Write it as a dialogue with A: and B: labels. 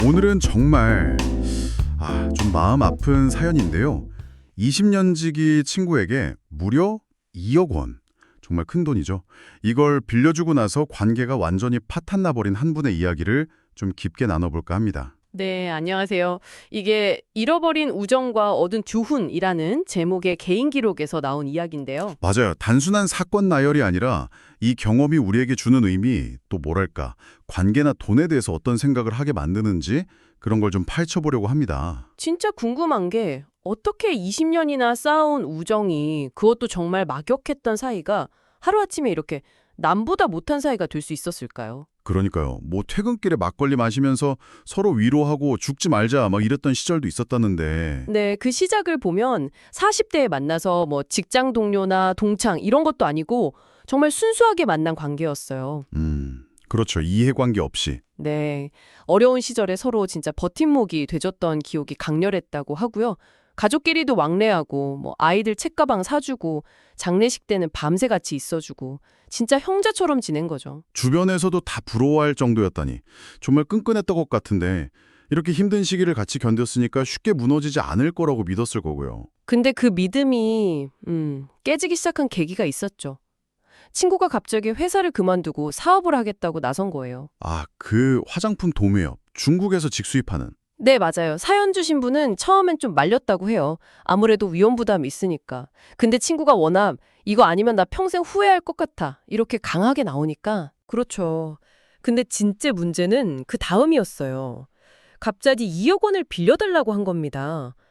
A: 오늘은 정말 좀 마음 아픈 사연인데요. 20년 지기 친구에게 무려 2억 원. 정말 큰 돈이죠. 이걸 빌려주고 나서 관계가 완전히 파탄나 버린 한 분의 이야기를 좀 깊게 나눠볼까 합니다.
B: 네, 안녕하세요. 이게 잃어버린 우정과 얻은 교훈이라는 제목의 개인 기록에서 나온 이야기인데요.
A: 맞아요. 단순한 사건 나열이 아니라 이 경험이 우리에게 주는 의미, 또 뭐랄까, 관계나 돈에 대해서 어떤 생각을 하게 만드는지 그런 걸 좀 파헤쳐보려고 합니다.
B: 진짜 궁금한 게 어떻게 20년이나 쌓아온 우정이 그것도 정말 막역했던 사이가 하루아침에 이렇게 남보다 못한 사이가 될 수 있었을까요?
A: 그러니까요. 뭐 퇴근길에 막걸리 마시면서 서로 위로하고 죽지 말자 막 이랬던 시절도 있었다는데.
B: 네, 그 시작을 보면 40대에 만나서 뭐 직장 동료나 동창 이런 것도 아니고 정말 순수하게 만난 관계였어요.
A: 그렇죠. 이해관계 없이.
B: 네. 어려운 시절에 서로 진짜 버팀목이 돼줬던 기억이 강렬했다고 하고요. 가족끼리도 왕래하고 뭐 아이들 책가방 사주고 장례식 때는 밤새 같이 있어주고 진짜 형제처럼 지낸 거죠.
A: 주변에서도 다 부러워할 정도였다니. 정말 끈끈했던 것 같은데 이렇게 힘든 시기를 같이 견뎠으니까 쉽게 무너지지 않을 거라고 믿었을 거고요.
B: 근데 그 믿음이 깨지기 시작한 계기가 있었죠. 친구가 갑자기 회사를 그만두고 사업을 하겠다고 나선 거예요.
A: 그 화장품 도매업. 중국에서 직수입하는.
B: 네, 맞아요. 사연 주신 분은 처음엔 좀 말렸다고 해요. 아무래도 위험 부담이 있으니까. 근데 친구가 워낙 이거 아니면 나 평생 후회할 것 같아. 이렇게 강하게 나오니까. 그렇죠. 근데 진짜 문제는 그 다음이었어요. 갑자기 2억 원을 빌려달라고 한 겁니다.